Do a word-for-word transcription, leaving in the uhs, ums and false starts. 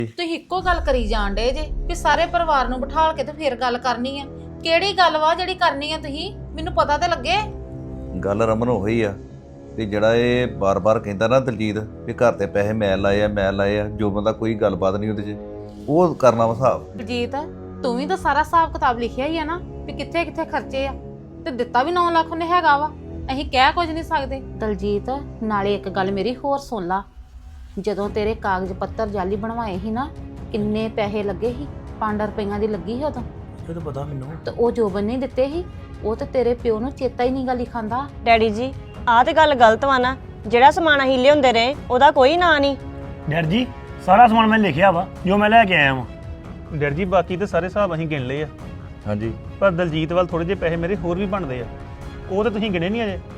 ਤੁਸੀਂ ਇੱਕੋ ਗੱਲ ਕਰੀ ਜਾਣ ਡੇ ਜੇ ਕਿ ਸਾਰੇ ਪਰਿਵਾਰ ਨੂੰ ਬਿਠਾਲ ਕੇ ਤੇ ਫੇਰ ਗੱਲ ਕਰਨੀ ਆ। ਕਿਹੜੀ ਗੱਲ ਵਾ ਜਿਹੜੀ ਕਰਨੀ ਆ? ਤੁਸੀਂ ਮੈਨੂੰ ਪਤਾ ਤੇ ਲੱਗੇ। ਗੱਲ ਰਮਨ ਉਹੀ ਆ ਵੀ ਜਿਹੜਾ ਇਹ ਬਾਰ-ਬਾਰ ਕਹਿੰਦਾ ਨਾ ਦਲਜੀਤ ਵੀ ਘਰ ਤੇ ਪੈਸੇ ਮੈਂ ਲਾਏ ਆ ਮੈਂ ਲਾਏ ਆ, ਜੋ ਬੰਦਾ ਕੋਈ ਗੱਲਬਾਤ ਨਹੀਂ ਉਹਦੇ 'ਚ, ਉਹ ਕਰਨਾ ਵਾ ਹਿਸਾਬ। ਦਲਜੀਤ ਤੂੰ ਵੀ ਤਾਂ ਸਾਰਾ ਹਿਸਾਬ ਕਿਤਾਬ ਲਿਖਿਆ ਹੀ ਆ ਨਾ ਵੀ ਕਿੱਥੇ ਕਿੱਥੇ ਖਰਚੇ ਆ, ਤੇ ਦਿੱਤਾ ਵੀ ਨੌ ਲੱਖ ਉਹਨੇ ਹੈਗਾ ਵਾ। ਅਸੀਂ ਕਹਿ ਕੁਝ ਨਹੀਂ ਸਕਦੇ। ਦਲਜੀਤ ਨਾਲੇ ਇੱਕ ਗੱਲ ਮੇਰੀ ਹੋਰ ਸੁਣ ਲਾ, ਜਦੋਂ ਤੇਰੇ ਕਾਗਜ਼ ਪੱਤਰ ਜਾਲੀ ਬਣਵਾਏ ਸੀ ਨਾ, ਕਿੰਨੇ ਪੈਸੇ ਲੱਗੇ ਸੀ? ਪੰਜ ਰੁਪਈਆਂ ਦੀ ਲੱਗੀ ਸੀ ਉਦੋਂ। ਇਹ ਤਾਂ ਪਤਾ ਮੈਨੂੰ। ਤੇ ਉਹ ਜੋਬਨ ਨੇ ਦਿੱਤੇ ਸੀ, ਉਹ ਤੇ ਤੇਰੇ ਪਿਓ ਨੂੰ ਚੇਤਾ ਹੀ ਨਹੀਂ ਗਾ ਲਿਖਾਂਦਾ। ਡੈਡੀ ਜੀ ਆਹ ਤੇ ਗੱਲ ਗਲਤ ਵਾ ਨਾ, ਜਿਹੜਾ ਸਮਾਨ ਅਸੀਂ ਲਿਆਉਂਦੇ ਰਹੇ ਉਹਦਾ ਕੋਈ ਨਾਂ ਨਹੀਂ। ਡੈਡ ਜੀ ਸਾਰਾ ਸਮਾਨ ਮੈਂ ਲਿਖਿਆ ਵਾ ਜੋ ਮੈਂ ਲੈ ਕੇ ਆਇਆ ਵਾਂ। ਡੈਡ ਜੀ ਬਾਕੀ ਤੇ ਸਾਰੇ ਹਿਸਾਬ ਅਸੀਂ ਗਿਣ ਲਏ ਆ, ਹਾਂਜੀ ਪਰ ਦਲਜੀਤ ਵੱਲ ਥੋੜੇ ਜਿਹੇ ਪੈਸੇ ਮੇਰੇ ਹੋਰ ਵੀ ਬਣਦੇ ਆ, ਉਹ ਤਾਂ ਤੁਸੀਂ ਗਿਣੇ ਨਹੀਂ ਅਜੇ।